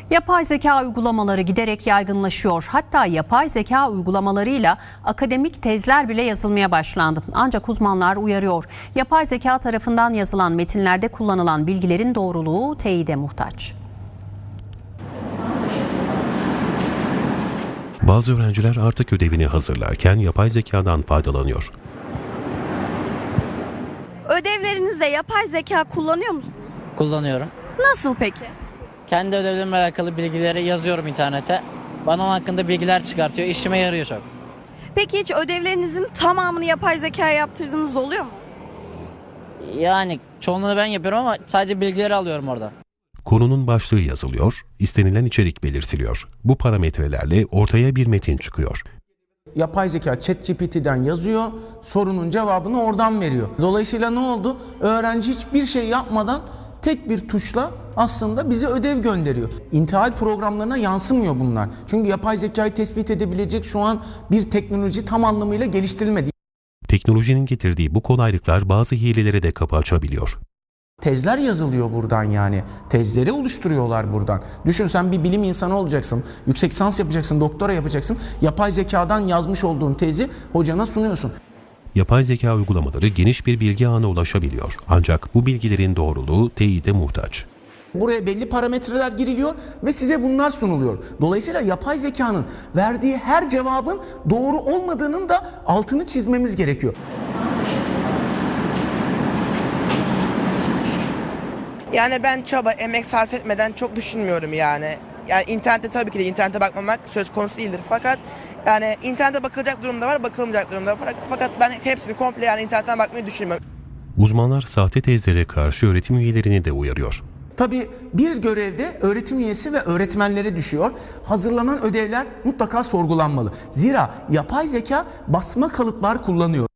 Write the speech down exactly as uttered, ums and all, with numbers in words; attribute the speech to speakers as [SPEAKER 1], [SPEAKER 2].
[SPEAKER 1] Yapay zeka uygulamaları giderek yaygınlaşıyor. Hatta yapay zeka uygulamalarıyla akademik tezler bile yazılmaya başlandı. Ancak uzmanlar uyarıyor. Yapay zeka tarafından yazılan metinlerde kullanılan bilgilerin doğruluğu teyide muhtaç.
[SPEAKER 2] Bazı öğrenciler artık ödevini hazırlarken yapay zekadan faydalanıyor.
[SPEAKER 3] Ödevlerinizde yapay zeka kullanıyor musunuz?
[SPEAKER 4] Kullanıyorum.
[SPEAKER 3] Nasıl peki?
[SPEAKER 4] Kendi ödevlerimle alakalı bilgileri yazıyorum internete. Bana onun hakkında bilgiler çıkartıyor. İşime yarıyor çok.
[SPEAKER 3] Peki hiç ödevlerinizin tamamını yapay zekaya yaptırdığınız oluyor mu?
[SPEAKER 4] Yani çoğunluğunu ben yapıyorum ama sadece bilgileri alıyorum orada.
[SPEAKER 2] Konunun başlığı yazılıyor, istenilen içerik belirtiliyor. Bu parametrelerle ortaya bir metin çıkıyor.
[SPEAKER 5] Yapay zeka ChatGPT'den yazıyor, sorunun cevabını oradan veriyor. Dolayısıyla ne oldu? Öğrenci hiçbir şey yapmadan tek bir tuşla aslında bize ödev gönderiyor. İntihal programlarına yansımıyor bunlar. Çünkü yapay zekayı tespit edebilecek şu an bir teknoloji tam anlamıyla geliştirilmedi.
[SPEAKER 2] Teknolojinin getirdiği bu kolaylıklar bazı hilelere de kapı açabiliyor.
[SPEAKER 5] Tezler yazılıyor buradan yani. Tezleri oluşturuyorlar buradan. Düşün, sen bir bilim insanı olacaksın. Yüksek lisans yapacaksın, doktora yapacaksın. Yapay zekadan yazmış olduğun tezi hocana sunuyorsun.
[SPEAKER 2] Yapay zeka uygulamaları geniş bir bilgi ağına ulaşabiliyor. Ancak bu bilgilerin doğruluğu teyide muhtaç.
[SPEAKER 5] Buraya belli parametreler giriliyor ve size bunlar sunuluyor. Dolayısıyla yapay zekanın verdiği her cevabın doğru olmadığının da altını çizmemiz gerekiyor.
[SPEAKER 6] Yani ben çaba, emek sarf etmeden çok düşünmüyorum yani. Yani internette tabii ki de internete bakmamak söz konusu değildir. Fakat yani internete bakılacak durumda var, bakılmayacak durumda var. Fakat ben hepsini komple yani internetten bakmayı düşünmüyorum.
[SPEAKER 2] Uzmanlar sahte tezlere karşı öğretim üyelerini de uyarıyor.
[SPEAKER 5] Tabii bir görevde öğretim üyesi ve öğretmenlere düşüyor. Hazırlanan ödevler mutlaka sorgulanmalı. Zira yapay zeka basma kalıplar kullanıyor.